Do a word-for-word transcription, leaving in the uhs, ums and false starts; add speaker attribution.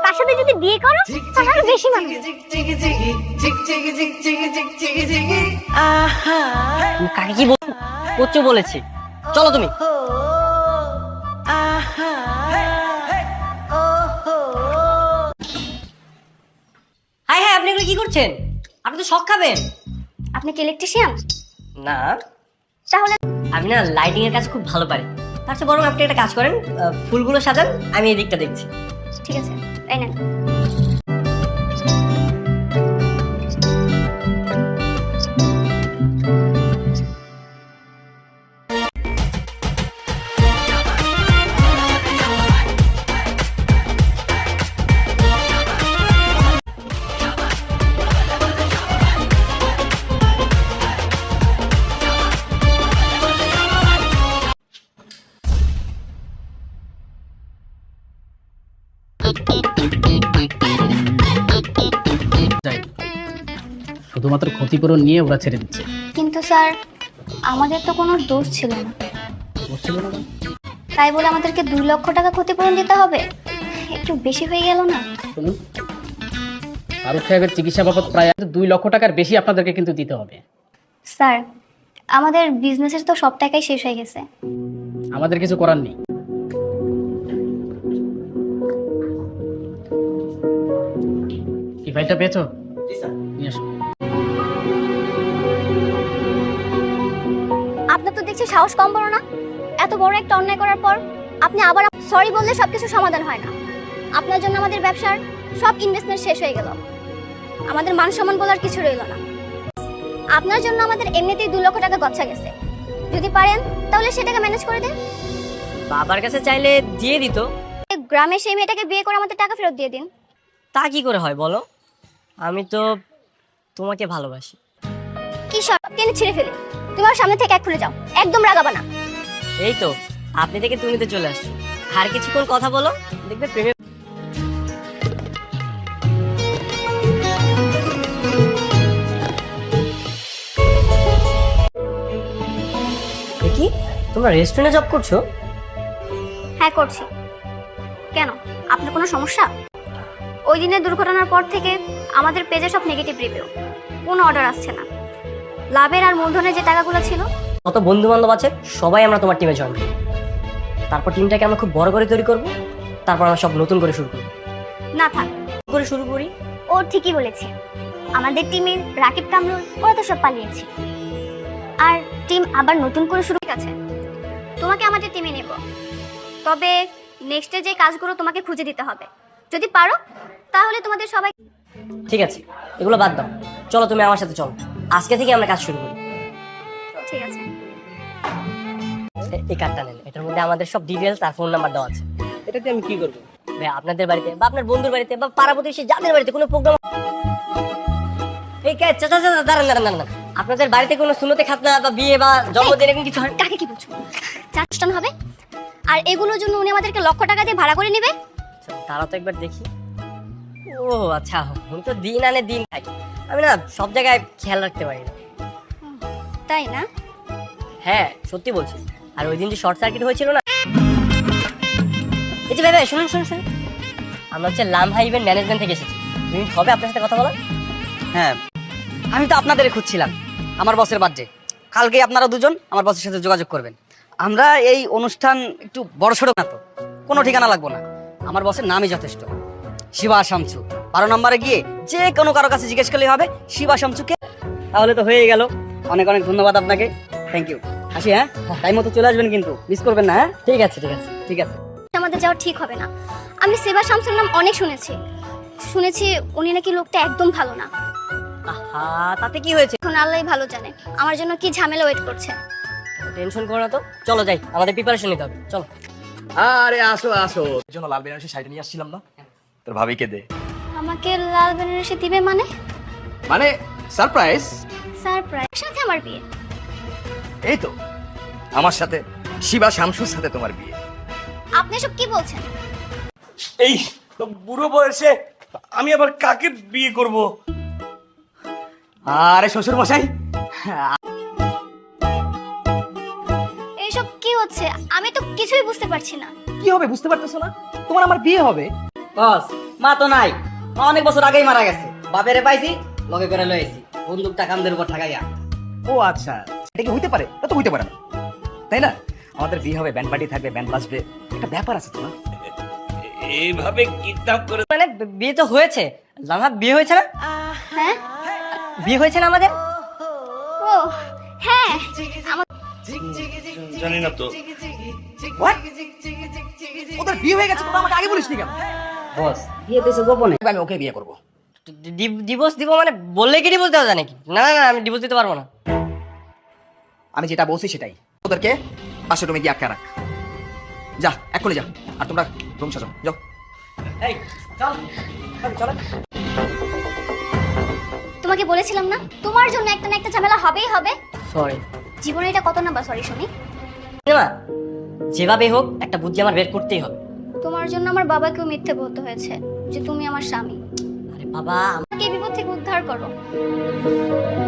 Speaker 1: তার সাথে যদি বিয়ে করো তাহলে বেশি মানবে।
Speaker 2: কাকে কি করছো বলেছি, চলো তুমি। হাই হাই, আপনি এগুলো কি করছেন? আপনি তো শখ খাবেন।
Speaker 1: আপনি কি ইলেকট্রিশিয়ান?
Speaker 2: না,
Speaker 1: তাহলে
Speaker 2: আমি না লাইটিং এর কাজ খুব ভালো পারি। তার চেয়ে বরং আপনি একটা কাজ করেন, ফুলগুলো সাজান, আমি এই দিকটা দেখছি।
Speaker 1: ঠিক আছে, এই নেন।
Speaker 3: শুধুমাত্র ক্ষতিপূরণ নিয়ে ওরা ছেড়ে দিচ্ছে।
Speaker 1: কিন্তু স্যার, আমাদের তো কোনো দোষ ছিল না।
Speaker 3: দোষ ছিল না?
Speaker 1: তাই বলে আমাদেরকে দুই লক্ষ টাকা ক্ষতিপূরণ দিতে হবে? একটু বেশি হয়ে গেল না?
Speaker 3: শুনুন, ফারুক সাহেবের চিকিৎসা বাবদ প্রায় দুই লক্ষ টাকার বেশি আপনাদেরকে কিন্তু দিতে হবে।
Speaker 1: স্যার, আমাদের বিজনেসের তো সব টাকাই শেষ হয়ে গেছে।
Speaker 3: আমাদের কিছু করার নেই। কি ফাইলটা পেয়েছো? নিয়ে আসো।
Speaker 1: আপনার তো দেখছি সাহস কম বড় না। এত বড় একটা অন্যায় করার পর আপনি আবার সরি বললে সবকিছু সমাধান হয় না। আপনার জন্য আমাদের ব্যবসার সব ইনভেস্টমেন্ট শেষ হয়ে গেল, আমাদের মান সম্মান বলার কিছু রইল না। আপনার জন্য আমাদের এমনিতেই দুই লক্ষ টাকা গচ্ছা গেছে। যদি পারেন তাহলে সেটাকে ম্যানেজ করে দেন।
Speaker 2: বাবার কাছে চাইলে দিয়ে দিত।
Speaker 1: গ্রামে সেই মেয়েটাকে বিয়ে করে আমাদের টাকা ফেরত দিয়ে দিন।
Speaker 2: তা কি করে হয় বলো? আমি তো তোমাকে ভালোবাসি।
Speaker 1: কি সব টেনে ছিঁড়ে ফেলে তুমি আমার সামনে থেকে এক্ষুনি যাও, একদম রাগাবা না।
Speaker 2: এই তো আপনি থেকে তুমিতে চলে আসছো, আর কিছুক্ষণ কথা বলো, দেখবে প্রেমে। কি তোমরা রেস্টুরেন্টে জব করছো?
Speaker 1: হ্যাঁ করছি। কেন, আপনার কোনো সমস্যা? ওই দিনের দুর্ঘটনার পর থেকে আমাদের পেজে সব নেগেটিভ রিভিউ, কোনো অর্ডার আসছে না। লাভের আর মূলধনের যে টাকাগুলো ছিল,
Speaker 2: কত বন্ধু বান্ধব আছে, সবাই আমরা তোমার টিমে জয়েন করি। তারপর টিমটাকে আমরা খুব বড় করে তৈরি করব, তারপর আমরা সব নতুন করে শুরু করব।
Speaker 1: না থাক,
Speaker 2: করে শুরু করি।
Speaker 1: ও ঠিকই বলেছে। আমাদের টিমের রাকিব কামরুল ওরা তো সব পালিয়েছে, আর টিম আবার নতুন করে শুরু আছে। তোমাকে আমাদের টিমে নেব, তবে নেক্সটে যে কাজগুলো তোমাকে খুঁজে দিতে হবে। যদি পারো তাহলে তোমাদের সবাই।
Speaker 2: ঠিক আছে, এগুলো বাদ দাও, চলো তুমি আমার সাথে চলো, আজকে থেকে আমরা কাজ শুরু করি।
Speaker 1: ঠিক আছে।
Speaker 2: এ- এই কার্ডটা নেন, এটার মধ্যে আমাদের সব ডিটেলস আর ফোন নাম্বার দেওয়া আছে।
Speaker 3: এটাতে আমি কি করবো?
Speaker 2: ভাই আপনাদের বাড়িতে বা আপনার বন্ধুর বাড়িতে বা পাড়া প্রতিবেশী যাদের বাড়িতে কোনো প্রোগ্রাম, এই কে চাচা চাচা দাঁড়ান দাঁড়ান দাঁড়ান, আপনাদের বাড়িতে কোনো সুন্নতে খাতনা বা বিয়ে বা জন্মদিন এরকম কিছু হয়?
Speaker 1: কাকে কি বলছো? চার অনুষ্ঠান হবে, আর এগুলোর জন্য উনি আমাদেরকে লক্ষ টাকা দিয়ে ভাড়া করে নেবে।
Speaker 2: আচ্ছা, তারা তো একবার দেখি। ও আচ্ছা, উনি তো দিন আনে দিন খাই, আমি না সব জায়গায় খেয়াল রাখতে পারি না।
Speaker 1: তাই না?
Speaker 2: হ্যাঁ সত্যি বলছি। আর ওই দিন যে শর্ট সার্কিট হয়েছিল না, এই যে ভাই ভাই শুনুন শুনুন শুনুন, আমরা হচ্ছে লামহা ইভেন্ট ম্যানেজমেন্ট থেকে এসেছি। তুমি হবে আপনার সাথে কথা বলা?
Speaker 4: হ্যাঁ, আমি তো আপনাদের খুঁজছিলাম। আমার বসের বার্থডে কালকে, আপনারা দুজন আমার বসের সাথে যোগাযোগ করবেন। আমরা এই অনুষ্ঠান একটু বড়সড় না, তো কোনো ঠিকানা লাগবো না, আমার বসের নামই যথেষ্ট, শিবা শামসু। বারো নম্বরে গিয়ে যে কোনো কারো কাছে জিজ্ঞেস করলে হবে শিবা শামসুকে, তাহলে তো হয়ে গেল। অনেক অনেক ধন্যবাদ আপনাকে, থ্যাংক ইউ। আসি, হ্যাঁ টাইম মতো চলে আসবেন কিন্তু, মিস করবেন না। হ্যাঁ
Speaker 2: ঠিক আছে ঠিক আছে
Speaker 4: ঠিক আছে।
Speaker 1: আমাদের যাওয়া ঠিক হবে না। আমি সেবা শামসুর নাম অনেক শুনেছি শুনেছি উনি নাকি লোকটা একদম ভালো না।
Speaker 2: আহা, তাতে কি হয়েছে?
Speaker 1: এখন আল্লাহই ভালো জানে আমার জন্য কি ঝামেলা ওয়েট করছে।
Speaker 2: টেনশন করো না তো, চলো যাই, আমাদের প্রিপারেশন নিতে হবে, চলো।
Speaker 5: আরে আসো আসো, এর জন্য লাল বেনারসি শাড়ি নিয়ে আসছিলাম না, তোর ভাবিকে দে।
Speaker 1: আমাকে লাল বেনারসি দিবে মানে?
Speaker 5: মানে সারপ্রাইজ।
Speaker 1: সারপ্রাইজ? সাথে আমার বিয়ে?
Speaker 5: এই তো আমার সাথে শিবা শামসুর সাথে তোমার বিয়ে।
Speaker 1: আপনি সব কি বলছেন?
Speaker 5: এই বুড়ো বয়সে আমি আবার কাকে বিয়ে করব? আরে শ্বশুর মশাই,
Speaker 1: এইসব কি হচ্ছে? আমি তো কিছুই বুঝতে পারছি না।
Speaker 4: কি হবে বুঝতে পারতেছো না? তোমার আমার বিয়ে হবে।
Speaker 2: বস
Speaker 4: মা তো নাই, মা অনেক বছর আগেই মারা গেছে। বাপেরে পাইছি, লগে করে লয়েছি, বন্দুকটা কামদের উপর ঠাকাইয়া।
Speaker 6: ও আচ্ছা, এটা কি হইতে পারে? তা তো হইতে পারে না, তাই না? আমাদের বিয়ে হবে, ব্যান্ড পার্টি থাকবে, ব্যান্ড বাজবে, একটা ব্যাপার আছে তো না?
Speaker 5: এইভাবে কিডন্যাপ করে
Speaker 2: মানে বিয়ে তো হয়েছে, লামা বিয়ে হয়েছে না?
Speaker 1: হ্যাঁ
Speaker 2: বিয়ে হয়েছে না আমাদের?
Speaker 1: ও হ্যাঁ আমার
Speaker 5: জানি না তো।
Speaker 6: What? ওদের বিয়ে হয়ে গেছে, তোমরা আমাকে আগে বলিসনি কেন?
Speaker 4: বস বিয়ে দিয়েছে গোপনে।
Speaker 6: আমি ওকে বিয়ে করবো।
Speaker 2: ডিভোর্স দিব মানে বললে কি ডিভোর্স দেওয়া যায় নাকি? না না না, আমি ডিভোর্স দিতে পারবো না।
Speaker 6: আমি যেটা বলছি সেটাই। ওদেরকে পাশের রুমে গিয়ে আটকা রাখ। যা, এক্ষুনি যা। আর তোমরা রুম সাজাও, যাও।
Speaker 4: এই চল চল।
Speaker 1: তোমাকে বলেছিলাম না তোমার জন্য একটা না একটা ঝামেলা হবেই হবে।
Speaker 2: সরি
Speaker 1: জীবনে এটা কত নাম্বার সরি শুনি।
Speaker 2: মা, যেভাবে হোক একটা বুদ্ধি আমার বের করতেই হবে।
Speaker 1: তোমার জন্য আমার বাবাকেও মিথ্যে বলতে হয়েছে যে তুমি আমার স্বামী।
Speaker 2: আরে বাবা,
Speaker 1: আমাকে এই বিপদ থেকে উদ্ধার করো।